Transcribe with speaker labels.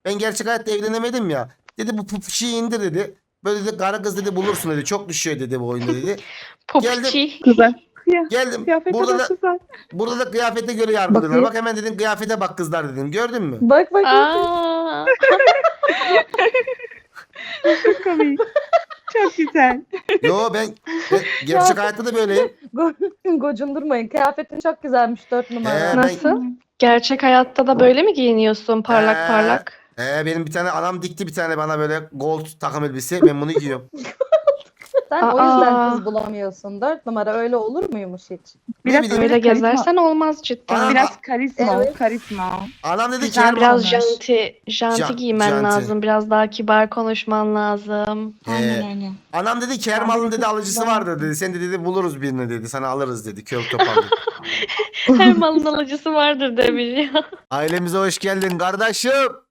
Speaker 1: Ben gerçek hayatta evlenemedim ya. Dedi bu pupuşiyi indir dedi. Böyle dedi kara kız dedi bulursun dedi. Çok düşüyor dedi bu oyunda dedi. Geldim.
Speaker 2: Popçi.
Speaker 3: Güzel.
Speaker 1: Geldim.
Speaker 3: Kıyafete
Speaker 1: Burada
Speaker 3: bak
Speaker 1: da
Speaker 3: güzel.
Speaker 1: burada da kıyafete göre yargılıyorlar.
Speaker 4: Bakayım.
Speaker 1: Bak hemen dedim kıyafete bak kızlar dedim. Gördün mü?
Speaker 4: Bak bak.
Speaker 2: Aa.
Speaker 3: Çok komik. Çok güzel.
Speaker 1: Yo ben gerçek hayatta da böyleyim.
Speaker 4: Gocundurmayın. Kıyafetin çok güzelmiş 4 numara.
Speaker 1: Ben-
Speaker 2: Nasıl? Gerçek hayatta da böyle mi giyiniyorsun parlak parlak?
Speaker 1: Benim bir tane anam dikti bir tane bana böyle gold takım elbise. Ben bunu giyiyorum.
Speaker 4: Sen o yüzden
Speaker 2: Aa.
Speaker 4: kız bulamıyorsun. 4 numara öyle olur muymuş hiç?
Speaker 3: Biraz
Speaker 1: bileyim.
Speaker 3: böyle
Speaker 2: Öyle
Speaker 3: karizma-
Speaker 2: gezersen olmaz cidden.
Speaker 1: Aa.
Speaker 3: Biraz karizma,
Speaker 4: Evet.
Speaker 3: karizma.
Speaker 1: Anam dedi ki
Speaker 3: Güzel
Speaker 2: Biraz
Speaker 3: olmuş.
Speaker 2: janti
Speaker 1: Ja-
Speaker 2: giymen
Speaker 1: janti.
Speaker 2: lazım. Biraz daha kibar konuşman lazım.
Speaker 3: Aynen.
Speaker 1: anam dedi ki her
Speaker 3: Ben
Speaker 1: malın
Speaker 3: de
Speaker 1: dedi
Speaker 3: çok
Speaker 1: alıcısı
Speaker 3: güzel.
Speaker 1: vardır dedi. Sen de dedi buluruz birini dedi. Sana alırız dedi. Kör topal dedi.
Speaker 2: Her malın alıcısı vardır demiş ya.
Speaker 1: Ailemize hoş geldin kardeşim.